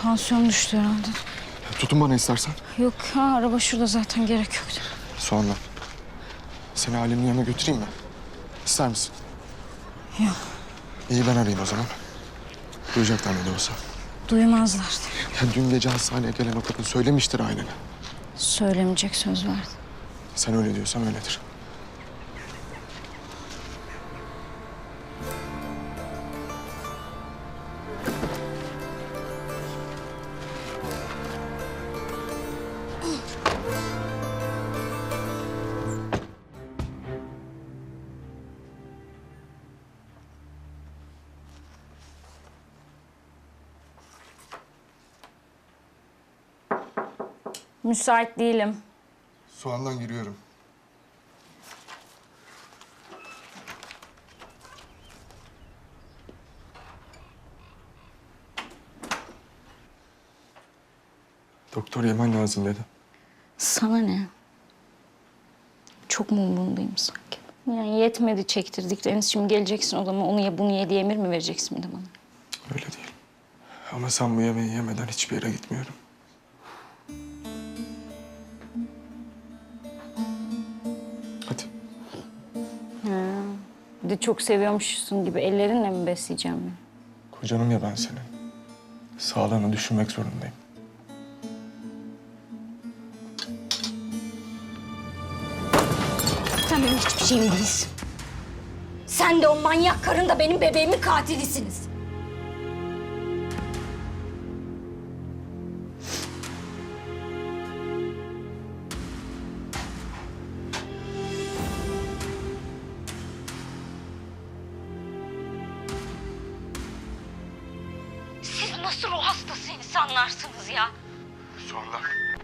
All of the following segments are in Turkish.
Tansiyon düştü herhalde. Tutun bana istersen. Yok ha, araba şurada zaten, gerek yoktu. Sonra. Seni ailenin yanına götüreyim mi? İster misin? Yok. İyi, ben arayayım o zaman. Duyacaklar ne de olsa. Duymazlardı. Ya dün gece hastaneye gelen o kadın söylemiştir ailene. Söylemeyecek, söz verdi. Sen öyle diyorsan öyledir. Müsait değilim. Soğandan giriyorum. Doktor yemen lazım dedi. Sana ne? Çok mu umurundayım sanki? Yani yetmedi çektirdikleriniz. Şimdi geleceksin odama, onu ye bunu ye diye emir mi vereceksin bir de bana? Öyle değil. Ama sen bu yemeği yemeden hiçbir yere gitmiyorum. Hadi. Bir de çok seviyormuşsun gibi ellerinle mi besleyeceğim beni? Kocanım ya ben senin. Sağlığını düşünmek zorundayım. Sen benim hiçbir şeyim değilsin. Sen de o manyak karın da benim bebeğimin katilisiniz. Siz nasıl ruh hastası insanlarsınız ya? Sonra.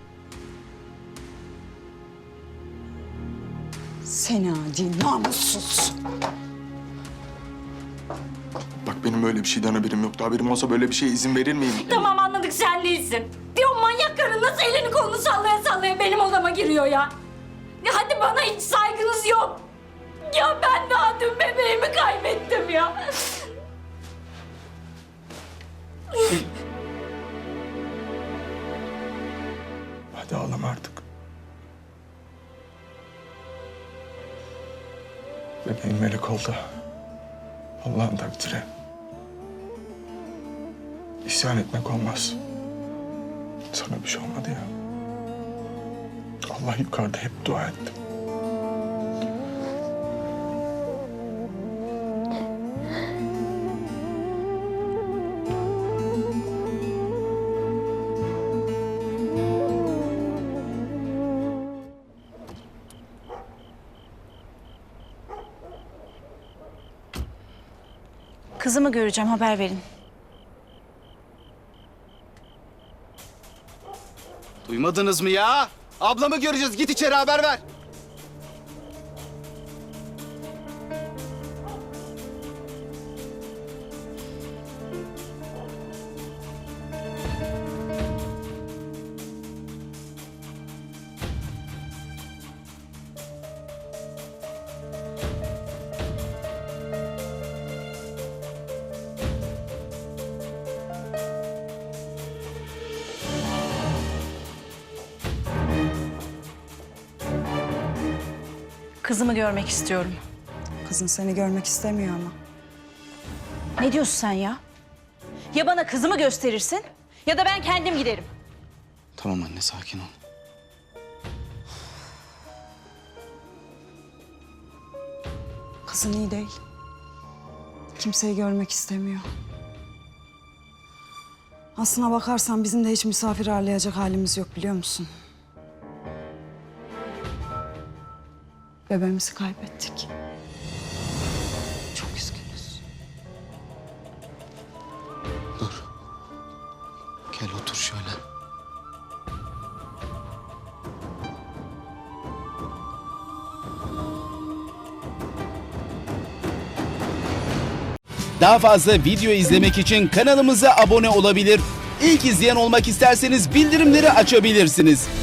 Seni adi, namussuz. Bak benim böyle bir şeyden haberim yoktu. Haberim olsa böyle bir şeye izin verir miyim? Tamam, anladık, sen değilsin. Diyor manyak karın nasıl elini kolunu sallaya sallaya benim odama giriyor ya. Ya hadi, bana hiç saygınız yok. Ya ben daha dün bebeğimi kaybettim ya. Hadi ağlama artık. Bebeğin melek oldu. Allah'ın takdiri. İsyan etmek olmaz. Sana bir şey olmadı ya. Allah yukarıda hep dua ettim. Kızımı göreceğim, haber verin. Duymadınız mı ya? Ablamı göreceğiz. Git içeri haber ver. Kızımı görmek istiyorum. Kızın seni görmek istemiyor ama. Ne diyorsun sen ya? Ya bana kızımı gösterirsin ya da ben kendim giderim. Tamam anne, sakin ol. Kızın iyi değil. Kimseyi görmek istemiyor. Aslına bakarsan bizim de hiç misafir ağırlayacak halimiz yok, biliyor musun? Bebeğimizi kaybettik. Çok üzgünüz. Dur. Gel otur şöyle. Daha fazla video izlemek için kanalımıza abone olabilir. İlk izleyen olmak isterseniz bildirimleri açabilirsiniz.